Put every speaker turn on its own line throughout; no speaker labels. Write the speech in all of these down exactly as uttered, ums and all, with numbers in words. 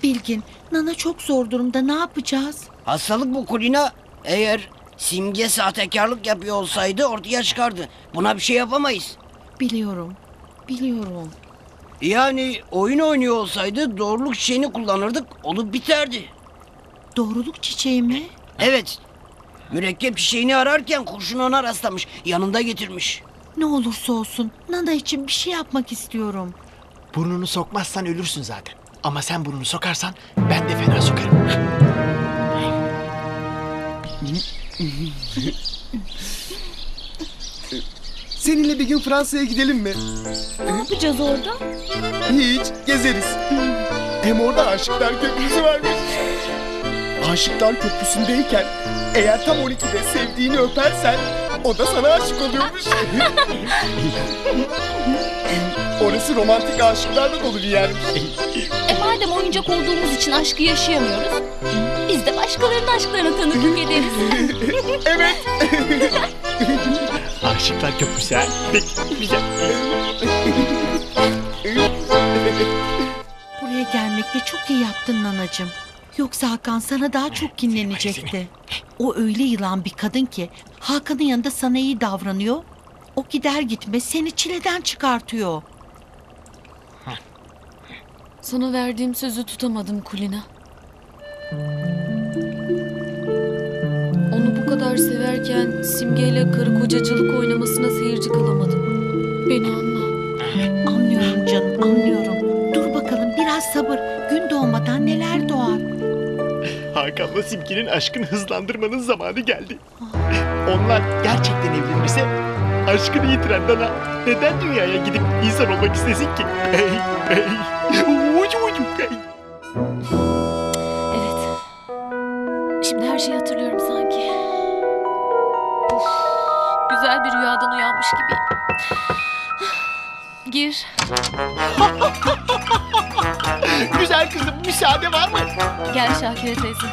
Bilgin, Nana çok zor durumda, ne yapacağız?
Hastalık bu Kulina. Eğer Simge sahtekarlık yapıyor olsaydı ortaya çıkardı. Buna bir şey yapamayız.
Biliyorum, biliyorum.
Yani oyun oynuyor olsaydı doğruluk çiçeğini kullanırdık, olup biterdi.
Doğruluk çiçeği mi?
Evet. Mürekkep çiçeğini ararken kurşun ona rastlamış. Yanında getirmiş.
Ne olursa olsun Nana için bir şey yapmak istiyorum.
Burnunu sokmazsan ölürsün zaten. Ama sen burnunu sokarsan ben de fena sokarım.
Seninle bir gün Fransa'ya gidelim mi?
Ne yapacağız orada?
Hiç, gezeriz. Hem orada Aşıklar Köprüsü varmış. Aşıklar Köprüsü'ndeyken eğer tam on ikide sevdiğini öpersen o da sana aşık oluyormuş. Orası romantik aşıklarla dolu bir yermiş.
E madem oyuncak olduğumuz için aşkı yaşayamıyoruz, biz de başkalarının aşklarına tanıklık ederiz.
Evet.
Aşıklar Köprüsü ha. Peki, güzel.
Buraya gelmekle çok iyi yaptın Nanacığım. Yoksa Hakan sana daha çok kinlenecekti. O öyle yılan bir kadın ki Hakan'ın yanında sana iyi davranıyor. O gider gitmez seni çileden çıkartıyor.
Sana verdiğim sözü tutamadım Kulina. Onu bu kadar severken Simge'yle karı kocacılık oynamasına seyirci kalamadım. Beni anla.
Anlıyorum canım, anlıyorum. Dur bakalım biraz sabır. Gün doğmadan neler doğar.
Hakan'la Simge'nin aşkını hızlandırmanın zamanı geldi. Onlar gerçekten evlenirse aşkını yitiren Nana neden dünyaya gidip insan olmak istesin ki? Hey, hey. Ucu ucu, hey.
Evet. Şimdi her şeyi hatırlıyorum sanki. Of, güzel bir rüyadan uyanmış gibiyim. Gir.
Güzel kızım, müsaade var mı?
Gel Şakire teyze.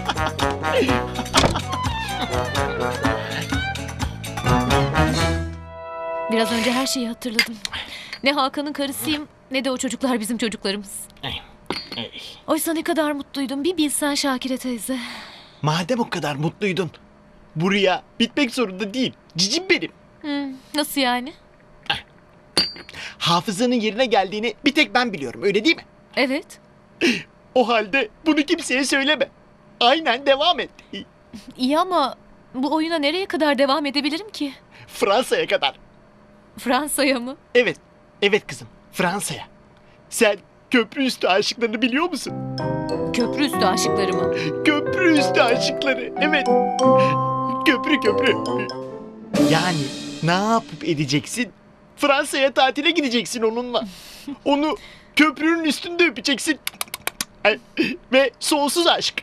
Biraz önce her şeyi hatırladım. Ne Hakan'ın karısıyım ne de o çocuklar bizim çocuklarımız. Oysa ne kadar mutluydum bir bilsen Şakire teyze.
Madem o kadar mutluydun, bu rüya bitmek zorunda değil. Cicim benim.
Hmm, nasıl yani?
Hafızanın yerine geldiğini bir tek ben biliyorum, öyle değil mi?
Evet.
O halde bunu kimseye söyleme. Aynen devam et.
İyi ama bu oyuna nereye kadar devam edebilirim ki?
Fransa'ya kadar.
Fransa'ya mı?
Evet, evet kızım, Fransa'ya. Sen köprü üstü aşıklarını biliyor musun?
Köprü üstü aşıkları mı?
Köprü üstü aşıkları, evet. Köprü köprü. Yani ne yapıp edeceksin? Fransa'ya tatile gideceksin onunla. Onu köprünün üstünde öpeceksin. Ve sonsuz aşk.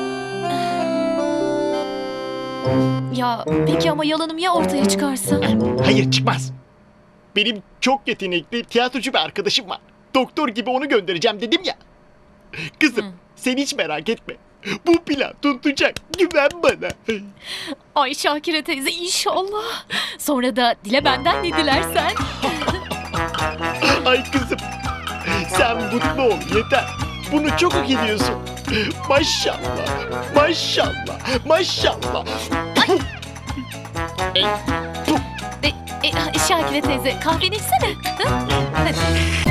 Ya peki ama yalanım ya ortaya çıkarsa?
Hayır, çıkmaz. Benim çok yetenekli tiyatrocu bir arkadaşım var. Doktor gibi onu göndereceğim dedim ya. Kızım,
Hı.
sen hiç merak etme. Bu plan tutacak. Güven bana.
Ay Şakire teyze inşallah. Sonra da dile benden ne dilersen.
Ay kızım, sen mutlu ol yeter. Bunu çok hak ediyorsun. Maşallah, maşallah, maşallah.
E, e, Şakire teyze kahveni içsene. Ha? Hadi.